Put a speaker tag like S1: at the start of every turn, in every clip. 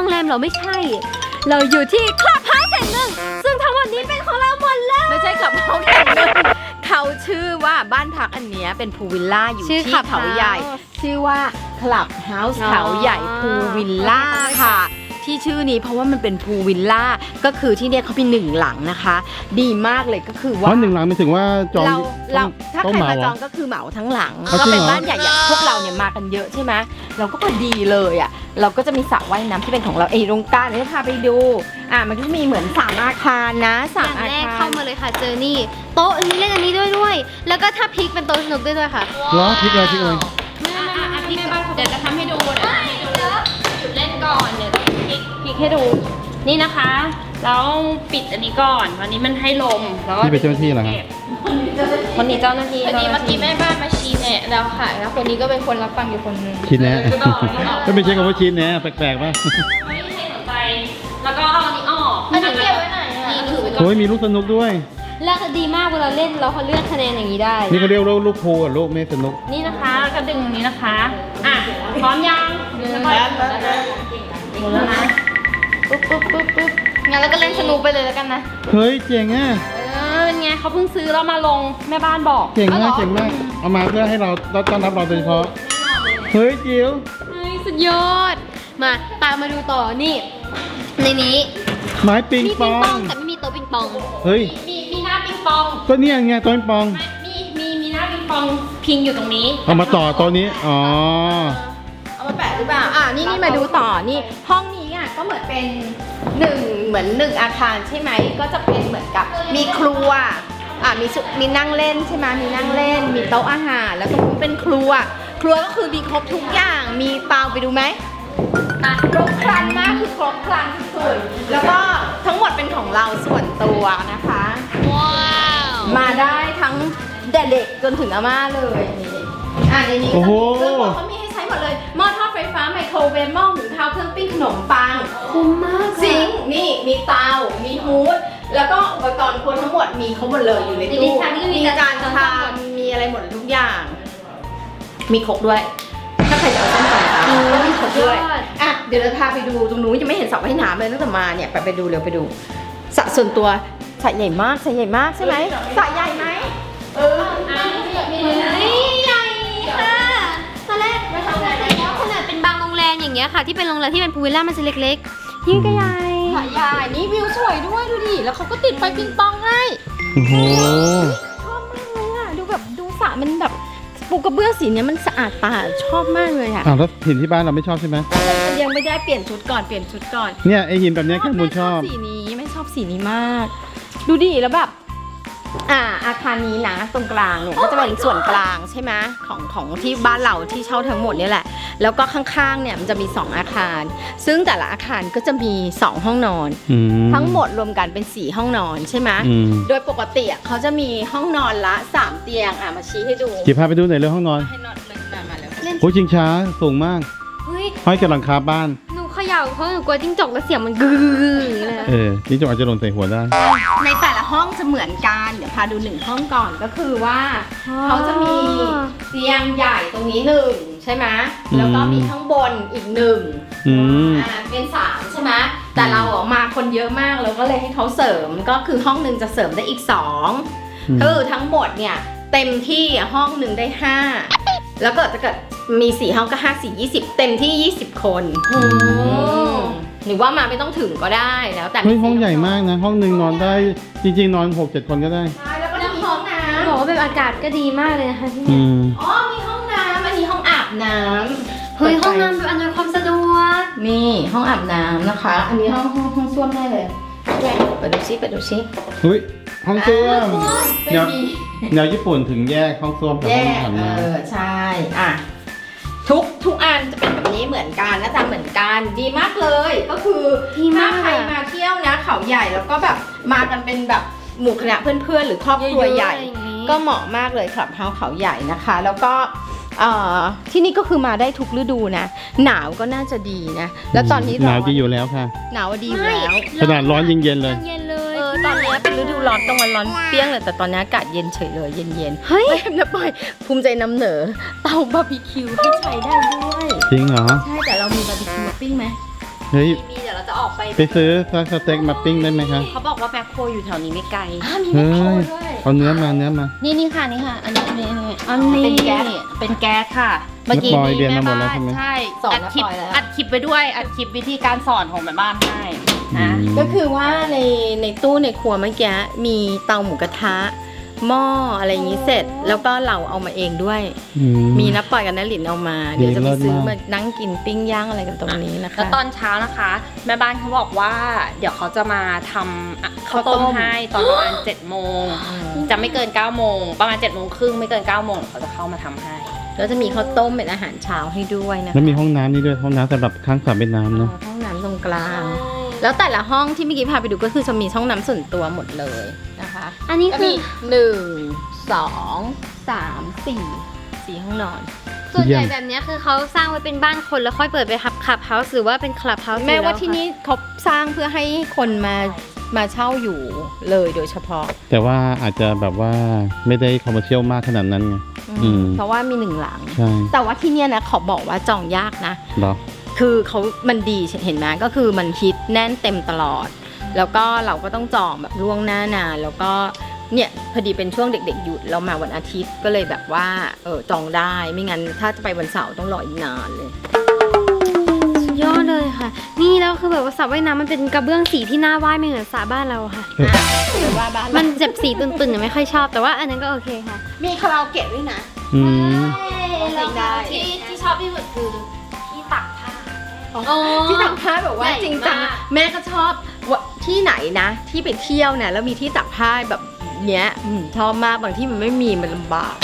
S1: รงแรมเราไม่ใช่ เราอยู่ที่คลับเฮาส์แห่งหนึ่งซึ่งทั้งหมดนี้เป็นของเราหมดเลย
S2: ไม่ใช่คลับเฮาส์แห่งหนึ่งเขาชื่อว่าบ้านพักอันเนี้ยเป็นพูลวิลล่าอยู่ที่เขาใหญ่ชื่อว่าคลับเฮาส์เขาใหญ่พูลวิลล่าค่ะที่ชื่อนี้เพราะว่ามันเป็นพูลวิลล่าก็คือที่เนี่ยเขามี1 หลังนะคะดีมากเลยก็คือว่า
S3: เพราะ1 หลังไม่ถึงว่าจอง
S2: เราถ้าใครมาจองก็คือเหมาทั้งหลังก็เป็นบ้านใหญ่ๆพวกเราเนี่ยมากันเยอะใช่ไหมเราก็พอดีเลยอ่ะเราก็จะมีสระว่ายน้ำที่เป็นของเราเองตรงกลางเดี๋ยวพาไปดูมันก็มีเหมือน3 อาคารนะ3 อาคาร
S1: แรกเข้ามาเลยค่ะเจอนี่โต๊ะอันนี้เล่นอันนี้ด้วยแล้วก็ถ้าพลิกเป็นโต๊ะสนุกด้วยค่ะ
S3: ล้อพลิกเลย
S1: พี่บ้านเดี๋ยวจะทำให้ดูจุดเล่นก่อนเดี๋ยวพลิกให้ดูนี่นะคะแล้วปิดอันนี้ก่อนวันนี้มันให้ลมแล้วก็
S3: นี่เป็นเจ้าหน้าที่เหรอครับ
S2: คนนี้เจ้าหน้าที่
S1: เมื่อกี้แม่บ้านมาชี้แนะแล้วค่ะแล้วคนนี้ก็เป็นคนรับฟังอยู่คนนึง
S3: ชี้แนะก็ไม่ใช่คำว่าชี้แนะแปลกๆป่ะ
S1: ไม่ให้สนใจแล้วก็เอาอันนี้ออกอันนี้เก็บไว้ไหนนี่ถือไว้ก่อน
S3: โอ้ยมีลูกสนุกด้วย
S1: แล้วดีมากเวลาเล่นเราเขาเลือกคะแนนอย่างนี้ได้
S3: นี่เขาเรียกลูกโพอ่ะลูกไม่สนุก
S1: นี่นะคะก็ดึงตรงนี้นะคะพร้อมยังแล้วนะปุ๊บงั้นแล้วก็เล่นสนุกไปเลยแล้วกันนะ
S3: เฮ้ยเจ๋งอ่ะ
S1: เป็นไงเขาเพิ่งซื้อแล้วมาลงแม่บ้านบอก
S3: เจ๋งมากเอามาเพื่อให้เราต้อนรับเราโดยเฉพาะเฮ้ยจิ๋ว
S1: สุดยอดมาตามมาดูต่อนี่ในนี้
S3: ไม้ปิงปอง
S1: แต่ไม่มีโต๊ะปิงปอง
S3: เฮ้ย
S1: มีหน้าปิงปอง
S3: ก็เนี่ยไงโต๊ะปิงปอง
S1: มีหน้าปิงปองพิงอยู่ตรงนี้
S3: เอามาต่อตัวนี้อ๋อ
S2: เอามาแปะหรือเปล่านี่มาดูต่อนี่ห้องนี้ก็เหมือนเป็นเหมือน1 อาคารใช่ไหมก็จะเป็นเหมือนกับมีครัวมีนั่งเล่นใช่ไหมมีนั่งเล่นมีโต๊ะอาหารแล้วตรงนู้นเป็นครัวก็คือมีครบทุกอย่างมีเปล่าไปดูไหมครบครันมากคือครบครันสุดแล้วก็ทั้งหมดเป็นของเราส่วนตัวนะคะว้าวมาได้ทั้งเด็กจนถึงอาม่าเลยในนี้เขามีให้ใช้หมดเลยหม้อทอดไฟฟ้าไมโครเวฟหม้อหุงข้าวเครื่องปิ้งขนมปัง
S1: คุ้มมาก
S2: ซิงค์นี่มีเตามีฮูดแล้วก็อุปกรณ์ครัวทั้งหมดมีเขาหมดเลยอยู่ในตู้มีจานชามมีอะไรหมดทุกอย่างมีครกด้วยถ้าใครจะเอาส้มตำก็มีครกด้วยเดี๋ยวเราพาไปดูตรงนู้นยังไม่เห็นสระว่ายน้ำเลยตั้งแต่มาเนี่ยไปดูเร็วไปดูสระส่วนตัวสระใหญ่มากใช่ไหมสระใหญ่ไหม
S1: ใหญ่ค่ะตอนแรกไม่ทำอะไรแล้วขนาดเป็นบางโรงแรมอย่างเงี้ยค่ะที่เป็นโรงแรมที่เป็นพูลวิลล่ามันจะเล็กๆนี่ก็ใหญ่
S2: นี่วิวสวยด้วยดูดิแล้วเขาก็ติดไฟปิงปองให้
S3: โอ้โห
S2: ชอบมากเลยดูแบบดูสระมันแบบปูกระเบื้องสีนี้มันสะอาดตาชอบมากเลย
S3: แล้วหินที่บ้านเราไม่ชอบใช่ไหม
S2: ยังไม่ได้เปลี่ยนชุดก่อน
S3: เนี่ยไอหินแบบนี้แค่มูลชอบ
S2: สีนี้ไม่ชอบสีนี้มากดูดิแล้วแบบอาคารนี้นะตรงกลางเนี่ยก็จะเป็นส่วนกลางใช่ไหมของที่บ้านเราที่เช่าทั้งหมดนี่แหละแล้วก็ข้างๆเนี่ยมันจะมี2 อาคารซึ่งแต่ละอาคารก็จะมี2 ห้องนอนทั้งหมดรวมกันเป็น4 ห้องนอนใช่ไหมโดยปกติเขาจะมีห้องนอนละ3 เตียงมาชี้ให้ดู
S3: จีพาไปดูหน่อยเรื่องห้องนอน
S2: ให้นอนเลยมาแล้ว
S3: โอ้ชิงช้าสูงมากห้อยกับหลังคาบ้าน
S1: เขย่าเพราะหนูกลัวจิ้งจกแล้วเสียงมันกึ๊ก
S3: เลยจิ้งจกอาจจะหล่นใส่หัวได้
S2: ในแต่ละห้องจะเหมือนกันเดี๋ยวพาดู1 ห้องก่อนก็คือว่าเขาจะมีเตียงใหญ่ตรงนี้1ใช่ไหมแล้วก็มีข้างบนอีก1เป็น3ใช่ไหมแต่เราออกมาคนเยอะมากเราก็เลยให้เขาเสริมก็คือห้องนึงจะเสริมได้อีก2คือทั้งหมดเนี่ยเต็มที่ห้องนึงได้5แล้วก็จะเกิดมี4 ห้องก็5 4 20เต็มที่20 คนหรือว่ามาไม่ต้องถึงก็ได้แล้วแต่
S3: ห้องใหญ่มากนะห้องนึงนอนได้จริงๆนอน 6-7 คนก็ได้
S2: ใช่แล้วก็มีห้องน้ำ
S1: บอกว่าแบบอากาศก็ดีมากเลยนะคะที่
S3: นี่
S2: มีห้องน้ำอันนี้ห้องอาบน้ำ
S1: ห้องน้ำแบบอำนวยความสะดวก
S2: นี่ห้องอาบน้ำนะคะอันนี้ห้องส้วมได้เลยไปดูซิ
S3: เฮ้ยห้องส้วมแนวญี่ปุ่นถึงแยกห้องส้วมกับห้องอาบน้
S2: ำใช่ทุกอันจะเป็นแบบนี้เหมือนกันหน้าตาเหมือนกันดีมากเลยก็คือถ้าใครมาเที่ยวนะเขาใหญ่แล้วก็แบบมากันเป็นแบบหมู่คณะเพื่อนๆหรือครอบครัวใหญ่ก็เหมาะมากเลยคลับเฮาส์เขาใหญ่นะคะแล้วก็ที่นี่ก็คือมาได้ทุกฤดูนะหนาวก็น่าจะดีนะแล้วตอนนี้
S3: หนาวดีอยู่แล้วค่ะ
S2: หนาวดีอยู่แล้ว
S3: ขนาดร้อนเย็นเลย
S2: ตอนนี้เป็นฤดูร้อนตรงวันร้อนเปี้ยงเลยแต่ตอนนี้อากาศเย็นเฉยเลยเย็น
S1: เฮ้ย
S2: นะปอยภูมิใจนำเหนอเตาบาร์บีคิวที่ใช้ได้ด้วย
S3: จริงเหรอ
S2: ใช่แต่เรามีบาร์บีคิวมาปิ้งไหม
S3: เฮ้ย
S1: มีเดี๋ยวเราจะออกไป
S3: ไปซื้อสเต็กมาปิ้งได้ไหมคะ
S1: เขาบอกว่าแมคโครอยู่แถวนี้ไม่ไกล
S3: เฮ้ยเอาเนื้อมา
S1: นี่ค่ะนี่ค่ะ อันนี้อันนี้
S2: เป็นแก๊ส
S1: เป็นแก๊สค่ะ เมื่อกี้
S3: แล้วปอย
S1: นี้
S3: เรียน
S1: แม่
S3: มาหมดแล้ว
S1: บ้าน
S3: ใช่ไหม
S1: ใช่
S2: สอน
S1: อัดคลิป
S2: แล้วปอยแล้ว
S1: อัดคลิปไปด้วยอัดคลิปวิธีการสอนของแม่บ้านให้นะ
S2: ก็คือว่าในตู้ในครัวเมื่อกี้มีเตาหมูกระทะหม้ออะไรอย่างนี้เสร็จ แล้วก็เราเอามาเองด้วย
S3: อื
S2: มีน้าปอยกับน้าหลินเอามา เดี๋ยวจะไป
S3: เลิศ
S2: ซื้อ
S3: มาก
S2: มานั่งกินปิ้งย่างอะไรกันตรงนี้นะคะ
S1: แล้วตอนเช้านะคะ แม่บ้านเขาบอกว่า เดี๋ยวเขาจะมาทำข้าวต้มให้ตอนประมาณ7 โมงจะไม่เกิน9 โมงประมาณ7 โมงครึ่งไม่เกิน9 โมงเขาจะเข้ามาทำให้
S2: แล้วจะมีข้าวต้มเป็นอาหารเช้าให้ด้วยนะคะ
S3: แล้วมีห้องน้ำนี่ด้วยห้องน้ำสำหรับข้างสระว่ายน้ำเนาะ
S2: ห้องน้ำตรงกลาง แล้วแต่ละห้องที่เมื่อกี้พาไปดูก็คือจะมีห้องน้ำส่วนตัวหมดเลยนะคะ
S4: อันนี้
S2: ก็
S4: คื
S2: มี
S4: อ
S2: 1 2 3 4ห้องนอน
S4: ส่วนใหญ่แบบเนี้ยคือเขาสร้างไว้เป็นบ้านคนแล้วค่อยเปิดไปคลับเฮาส์หรือว่าเป็นคลับเฮาส์
S2: แม้ว่าที่นี่เขาสร้างเพื่อให้คนมาเช่าอยู่เลยโดยเฉพาะ
S3: แต่ว่าอาจจะแบบว่าไม่ได้คอมเมอร์เชียลมากขนาดนั้นไง อืม
S2: เพราะว่ามี1 หลัง
S3: ใช่
S2: แต่ว่าที่เนี่ยนะขอบอกว่าจองยากนะ
S3: เหรอ
S2: คือมันดีเห็นไหมก็คือมันฮิตแน่นเต็มตลอด แล้วก็เราก็ต้องจองแบบล่วงหน้านานแล้วก็เนี่ยพอดีเป็นช่วงเด็กๆหยุดเรามาวันอาทิตย์ก็เลยแบบว่าจองได้ไม่งั้นถ้าจะไปวันเสาร์ต้องรออีกนานเลย
S4: สุดยอดเลยค่ะ นี่แล้วคือแบบว่าสระว่ายน้ำมันเป็นกระเบื้องสีที่น่าว่ายไม่เหมือนสระบ้านเราค่ะ
S2: หรือว่าบ้าน
S4: มันเจ็บสีตุ่นๆเนี่ยไม่ค่อยชอบแต่ว่าอันนั้นก็โอเคค่ะ
S2: มีคาราโอเกะด้วยนะ
S3: อืม
S2: แล้วได้
S1: ที่ชอบที่สุดคือที่ตักผ้า
S2: ที่ตักผ้าแบบว่า
S1: ใหญ่
S2: จริงจัง
S1: มาก
S2: แม่ก็ชอบว่าที่ไหนนะ ที่ไปเที่ยวเนี่ยแล้วมีที่ตักผ้าแบบเนี้ยชอบมากบางที่มันไม่มีมันลำบาก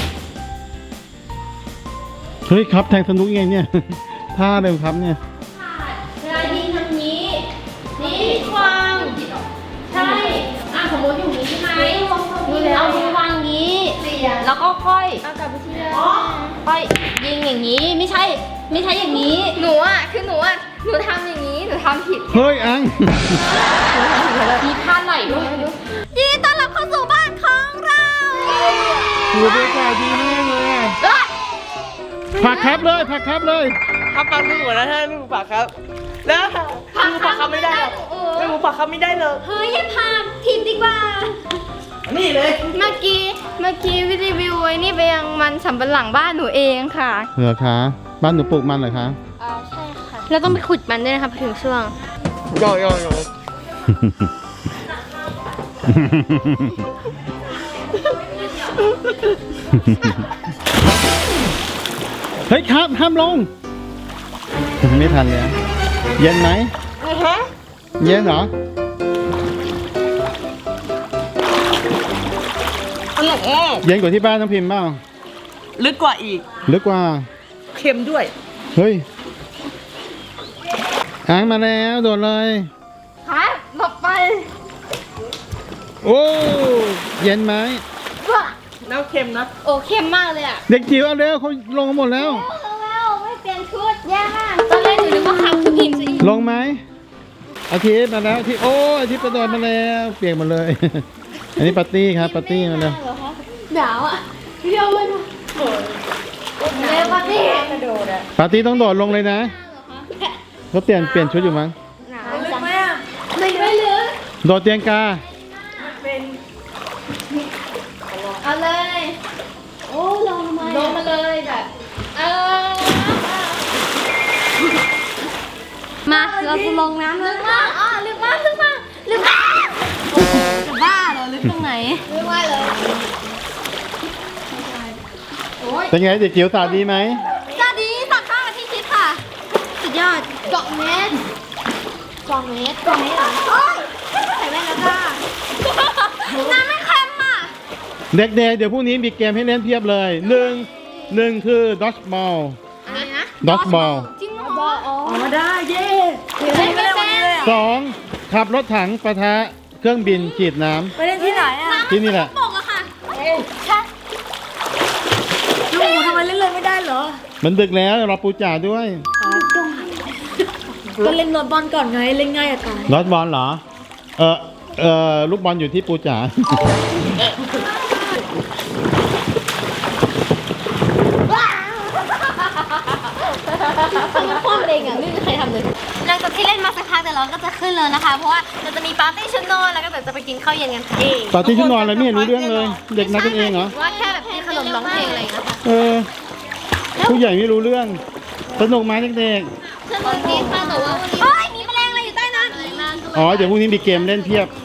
S3: เฮ้ยครับแทงสนุกไงเนี่ย ท่าเร็วครับเนี่ย
S1: เวลายิงทำนี้ นี่วางใช่สมมติอยู่นี้ใช่ไหมเอามือวางนี้ แล้วก็ค่อยค่อยยิงอย่างนี้ไม่ใช่อย่างนี้
S2: หนูทำอย่างนี้หนูทำผิด
S3: เฮ้ยอัง
S1: มีท่าไหลด้วย
S4: ยินดีต้อนรับเข้าสู่บ้านของเรา
S3: โอ้บรรยากาศดีมากเลยอะผักครับเลยผักครับเลย
S5: ครับฟังพี่หมดแล้วถ้าไม่รู้ปากครับ แล้วไม่รู้ปากครับไม่ได้หรอกไม่รู้ปากครับไม่ได้เลย
S4: เฮ้ยอย่าพาทีมดีกว่า
S5: นี่เลย
S4: เมื่อกี้รีวิวไว้นี่ไปยังมันสำปะหลังบ้านหนูเองค่ะ
S3: เหรอคะบ้านหนูปลูกมันเหรอคะ
S4: ใช่ค่ะเราต้องไปขุดมันด้วยนะคะพอถึงช่วง
S5: ย่อย่อย่อ
S3: เฮ้ยครับห้ามลง ไม่ทันแล้วเย็นไหมเย็นเหรอ
S5: อร่อยมาก
S3: เย็นกว่าที่บ้านน้องพิมพ์เปล่า
S5: ลึกกว่าอีก
S3: ลึกกว่า
S5: เค็มด้วย
S3: เฮ้ยอ้างมาแล้วโดดเลย
S4: ค่ะหลบไป
S3: โอ้เย็นไหม
S5: น้ำเค็มนะ
S4: โอ้เข้มมากเลยอ่ะ
S3: เด็กจิ๋วเอาเร็วเขาลงกันหมดแล้ว
S4: แล้วไม่เปลี่ยนชุดแย่มากตอนแรกหนูนึกว่าคำคือพิมพ์จะอีก
S3: ลงไหมอาทิตย์มาแล้วอาทิตย์โอ้อาทิตย์กระโดดมาแล้วเปียกหมดเลย อันนี้ปาร์ตี้ครับปาร์ตี้มาแล้ว
S4: หนาวอ่ะเรียวเลยนะเร็วปาร์ตี้
S3: ปาร์ตี้ต้องโดดลงเลยนะเขาเปลี่ยนชุดอยู่มั้ง
S4: หนาวจังไม่ลึก
S3: โดดเตียงกา
S4: เอาเลย โอ้ลงมา
S2: ลงมาเลยแบบ
S4: มาเราจะลงน้ำลึกมากอ๋อลึกมากจะบ้าเหรอลึกตรงไหน
S3: เป็นไงเด็กจิ๋วสาดดีไหม
S4: สวัสดีตักข้าวกับที่คิดค่ะ สุดยอด2 เมตร2 เมตรเหรอโอ๊ยใส่แว่นแล้วค่ะน้ำไม่เค็มอ่ะ
S3: เด็กๆเดี๋ยวพรุ่งนี้มีเกมให้เล่นเพียบเลยหนึ่งคือดอ g บอล
S4: อะไรนะ
S3: ดอ g บอล
S4: จริงเหรออ๋อ
S5: ออกมาได้เย้
S4: เล่นไม่เป็น
S3: สองขับรถถังปะทะเครื่องบินฉีดน้
S5: ไปเล่นที่ไหนอ่ะ
S3: ำที่นี่แหละ
S4: ปกอะค่ะ
S5: ลูกหมูทำไมเล่นเลยไม่ได้เหรอ
S3: มันดึกแล้วรอปูจ่าด้วย
S5: ก็เล่นบอลก่อนไงเล่นง่ายอะตาย
S3: ดอ g บอลเหรอลูกบอลอยู่ที่ปูจ่า
S4: ความเ
S1: เองอ่ะไม่มีใครทำเลย
S4: หลังจากที่เล่นมาสักพักแต่เราก็จะขึ้นเลยนะคะ เพราะว่าเราจะมีปาร์ตี้ชุดนอนแล้วก็เดี๋ยวจะไปกินข้าวเย็นกันค่ะ
S3: ปาร์ตี้ชุดนอนอะไรไม่เห็นรู้เรื่องเลย เด็กนัดกันเองเหรอ
S4: ว่าแค่แบบกินขนมร้องเพลงอะไรอย่างเงี้ยค่ะ
S3: เออ ผู้ใหญ่ไม่รู้เรื่อง สนุกไหมเด็ก
S4: สนุกดีค่ะแต่ว่าเฮ้ยมีแมลงอะไรอยู่ใต้นั้น
S3: ๆอ๋อ เดี๋ยวพรุ่งนี้มีเกมเล่นเพียบ